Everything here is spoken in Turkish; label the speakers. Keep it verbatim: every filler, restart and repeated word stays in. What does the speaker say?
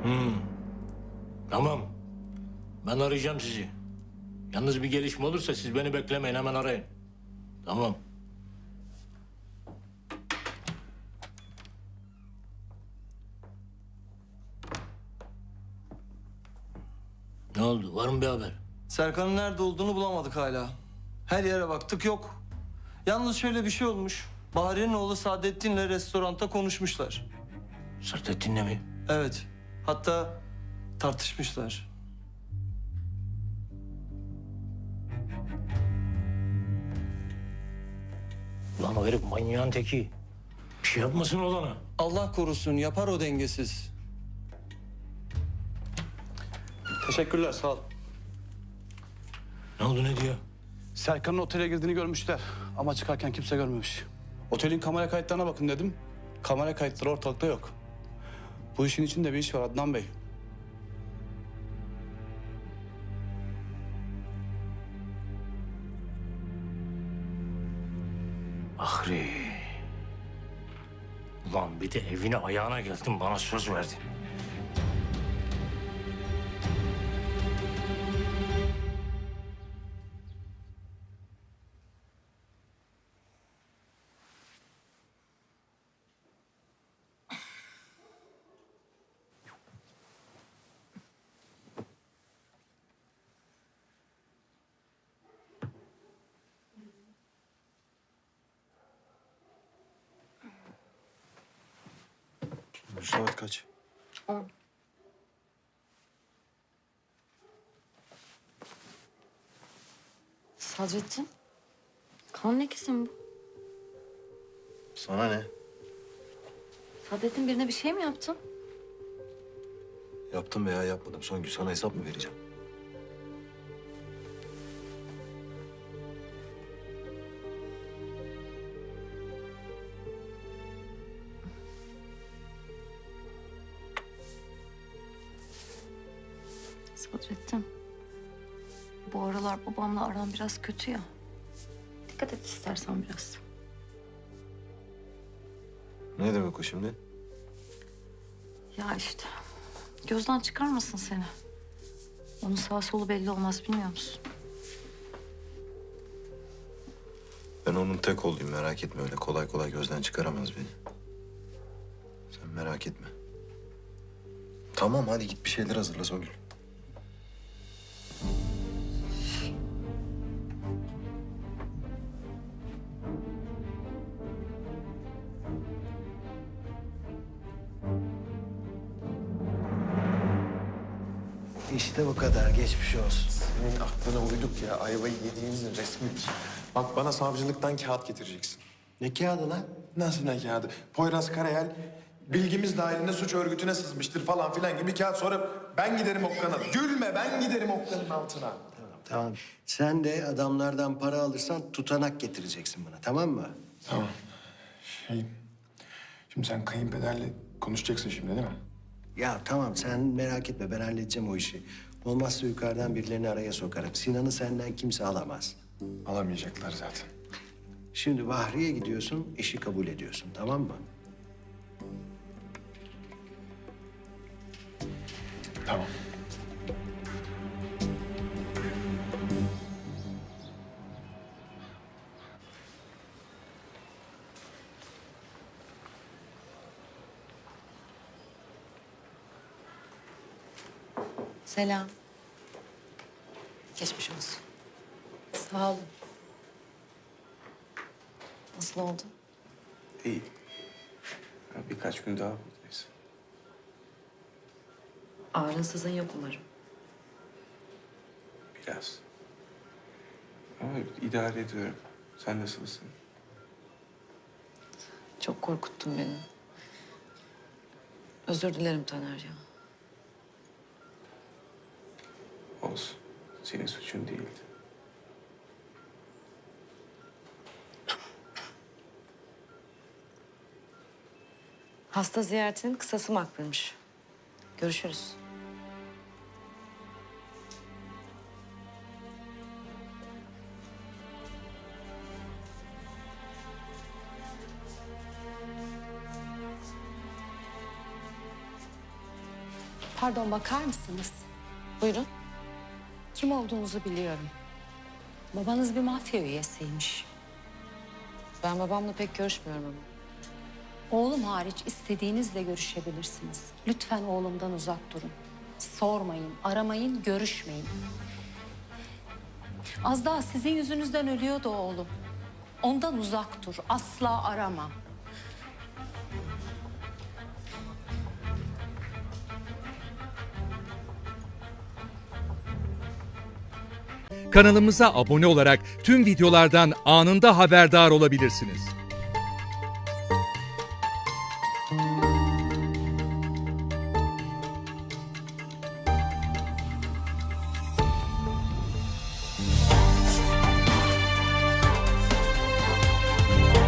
Speaker 1: Hmm. Tamam. Ben arayacağım sizi. Yalnız bir gelişme olursa siz beni beklemeyin, hemen arayın. Tamam. Ne oldu? Var mı bir haber?
Speaker 2: Serkan'ın nerede olduğunu bulamadık hala. Her yere baktık, yok. Yalnız şöyle bir şey olmuş. Bahriye'nin oğlu Saadettin'le restoranda konuşmuşlar.
Speaker 1: Sırtettin'le mi?
Speaker 2: Evet. Hatta tartışmışlar.
Speaker 1: Lan o herif manyağın teki. Bir şey yapmasın olana.
Speaker 2: Allah korusun, yapar o dengesiz. Teşekkürler, sağ ol.
Speaker 1: Ne oldu, ne diyor?
Speaker 3: Serkan'ın otele girdiğini görmüşler ama çıkarken kimse görmemiş. Otelin kamera kayıtlarına bakın dedim. Kamera kayıtları ortalıkta yok. Bu işin içinde bir iş var Adnan Bey.
Speaker 1: Ahri. Ulan bir de evine ayağına geldin, bana söz verdin.
Speaker 4: Saat kaç?
Speaker 5: On. Sadrettin, kan lekesi mi bu?
Speaker 4: Sana ne?
Speaker 5: Sadrettin, birine bir şey mi yaptın?
Speaker 4: Yaptım veya yapmadım. Songül, sana hesap mı vereceğim?
Speaker 5: Sadrettin, bu aralar babamla aram biraz kötü ya. Dikkat et istersen biraz.
Speaker 4: Ne demek o şimdi?
Speaker 5: Ya işte, gözden çıkarmasın seni. Onun sağ solu belli olmaz, bilmiyor musun?
Speaker 4: Ben onun tek olayım, merak etme. Öyle kolay kolay gözden çıkaramaz beni. Sen merak etme. Tamam, hadi git bir şeyler hazırla Songül.
Speaker 6: İşte bu kadar. Geçmiş olsun.
Speaker 7: Senin aklına uyduk ya. Ayvayı yediğimizin resmidir. Bak, bana savcılıktan kağıt getireceksin.
Speaker 6: Ne kağıdı lan?
Speaker 7: Nasıl ne kağıdı? Poyraz Karayel bilgimiz dahilinde suç örgütüne sızmıştır falan filan gibi kağıt, sonra ben giderim Okkan'a. Gülme, ben giderim Okkan'ın altına.
Speaker 6: Tamam. Sen de adamlardan para alırsan tutanak getireceksin bana. Tamam mı?
Speaker 7: Tamam. Şey, şimdi sen kayınpederle konuşacaksın şimdi, değil mi?
Speaker 6: Ya tamam, sen merak etme. Ben halledeceğim o işi. Olmazsa yukarıdan birilerini araya sokarım. Sinan'ı senden kimse alamaz.
Speaker 7: Alamayacaklar zaten.
Speaker 6: Şimdi Bahriye gidiyorsun, işi kabul ediyorsun. Tamam mı?
Speaker 7: Tamam.
Speaker 8: Selam. Geçmiş olsun.
Speaker 5: Sağ olun.
Speaker 8: Nasıl oldu?
Speaker 9: İyi. Ya birkaç gün daha buradayız.
Speaker 8: Ağrın sızın yok umarım.
Speaker 9: Biraz. Ama idare ediyorum. Sen nasılsın?
Speaker 8: Çok korkuttun beni. Özür dilerim Taner ya.
Speaker 9: Olsun. Senin suçun değildi.
Speaker 8: Hasta ziyaretinin kısası makbulmuş. Görüşürüz.
Speaker 10: Pardon, bakar mısınız?
Speaker 8: Buyurun.
Speaker 10: Kim olduğunuzu biliyorum. Babanız bir mafya üyesiymiş.
Speaker 8: Ben babamla pek görüşmüyorum ama.
Speaker 10: Oğlum hariç istediğinizle görüşebilirsiniz. Lütfen oğlumdan uzak durun. Sormayın, aramayın, görüşmeyin. Az daha sizin yüzünüzden ölüyordu oğlum. Ondan uzak dur, asla arama.
Speaker 11: Kanalımıza abone olarak tüm videolardan anında haberdar olabilirsiniz.